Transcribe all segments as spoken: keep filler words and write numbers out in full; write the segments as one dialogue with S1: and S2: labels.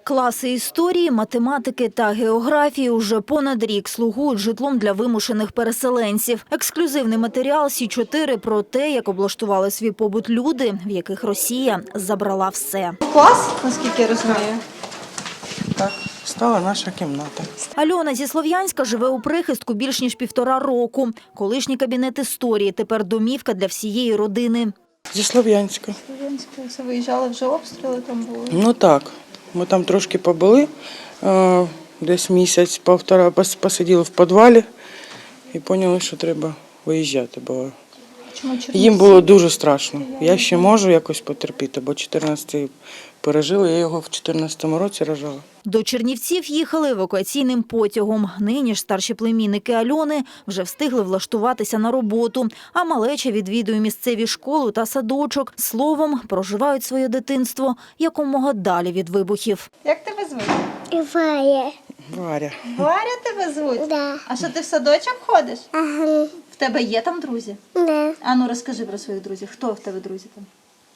S1: Класи історії, математики та географії уже понад рік слугують житлом для вимушених переселенців. Ексклюзивний матеріал Сі чотири про те, як облаштували свій побут люди, в яких Росія забрала все.
S2: Клас, наскільки я розумію.
S3: Так, стала наша кімната.
S1: Альона зі Слов'янська живе у прихистку більш ніж півтора року. Колишній кабінет історії, тепер домівка для всієї родини.
S3: Зі Слов'янська.
S2: Слов'янська, все виїжджали, вже обстріли там були.
S3: Ну так, ми там трошки побули, е, десь місяць-півтора посиділи в підвалі і зрозуміли, що треба виїжджати, бо
S2: Чому
S3: їм було дуже страшно. Я ще можу якось потерпіти, бо чотирнадцятий пережили, я його в чотирнадцятому році рожала.
S1: До Чернівців їхали евакуаційним потягом. Нині ж старші племінники Альони вже встигли влаштуватися на роботу, а малеча відвідує місцеві школи та садочок. Словом, проживають своє дитинство якомога далі від вибухів.
S2: Як тебе звуть?
S4: Варя.
S3: Варя.
S2: Варя тебе звуть?
S4: Да.
S2: А що, ти в садочок ходиш?
S4: Ага.
S2: В тебе є там друзі?
S4: Да.
S2: А ну розкажи про своїх друзів. Хто в тебе друзі там?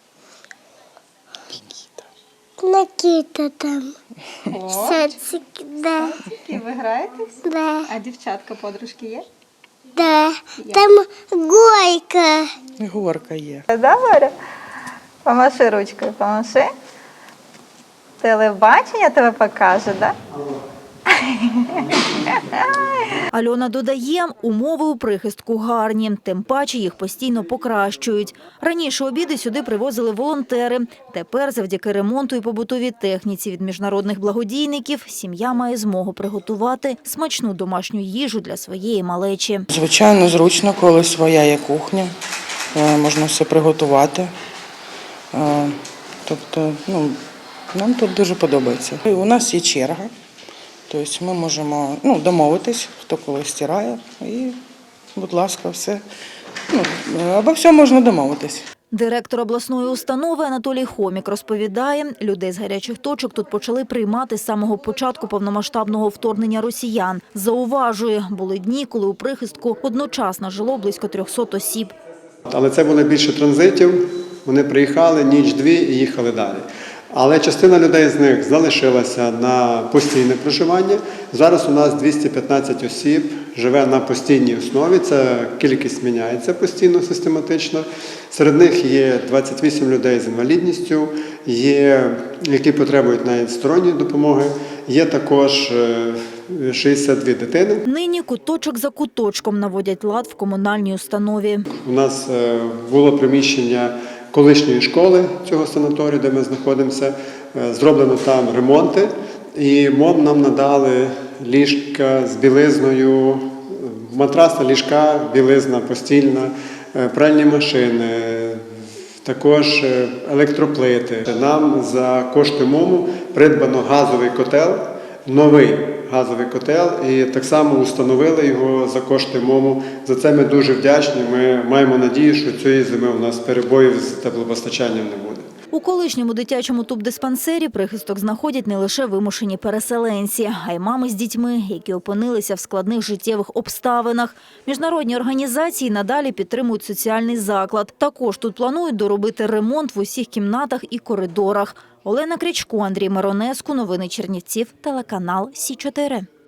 S4: Накита там.
S2: О,
S4: Садик, да.
S2: і ви граєтесь?
S4: Да.
S2: А дівчатка, подружки є?
S4: Да. Там горка.
S3: І горка є.
S2: Да, Варя? Помаши ручкою, помаши. Телебачення тебе покаже, да?
S1: Альона додає, умови у прихистку гарні, тим паче їх постійно покращують. Раніше обіди сюди привозили волонтери. Тепер завдяки ремонту і побутовій техніці від міжнародних благодійників сім'я має змогу приготувати смачну домашню їжу для своєї малечі.
S3: Звичайно, зручно, коли своя є кухня, е, можна все приготувати. Е, Тобто, ну, нам тут дуже подобається. І у нас є черга. Тобто ми можемо ну, домовитись, хто коли стирає, і, будь ласка, все. Ну, обо всьому можна домовитись.
S1: Директор обласної установи Анатолій Хомік розповідає, людей з гарячих точок тут почали приймати з самого початку повномасштабного вторгнення росіян. Зауважує, були дні, коли у прихистку одночасно жило близько трьохсот осіб.
S5: Але це були більше транзитів, вони приїхали ніч-дві і їхали далі. Але частина людей з них залишилася на постійне проживання. Зараз у нас двісті п'ятнадцять осіб живе на постійній основі, це кількість міняється постійно, систематично. Серед них є двадцять вісім людей з інвалідністю, є, які потребують навіть сторонньої допомоги, є також шістдесят дві дитини.
S1: Нині куточок за куточком наводять лад в комунальній установі.
S5: У нас було приміщення колишньої школи цього санаторію, де ми знаходимося, зроблено там ремонти, і МОМ нам надали ліжка з білизною, матрасна ліжка, білизна постільна, пральні машини, також електроплити. Нам за кошти МОМу придбано газовий котел, новий газовий котел, і так само установили його за кошти МОМу. За це ми дуже вдячні. Ми маємо надію, що цієї зими у нас перебоїв з теплопостачанням не буде.
S1: У колишньому дитячому тубдиспансері прихисток знаходять не лише вимушені переселенці, а й мами з дітьми, які опинилися в складних життєвих обставинах. Міжнародні організації надалі підтримують соціальний заклад. Також тут планують доробити ремонт в усіх кімнатах і коридорах. Олена Крячко, Андрій Миронеску. Новини Чернівців. Телеканал Сі чотири.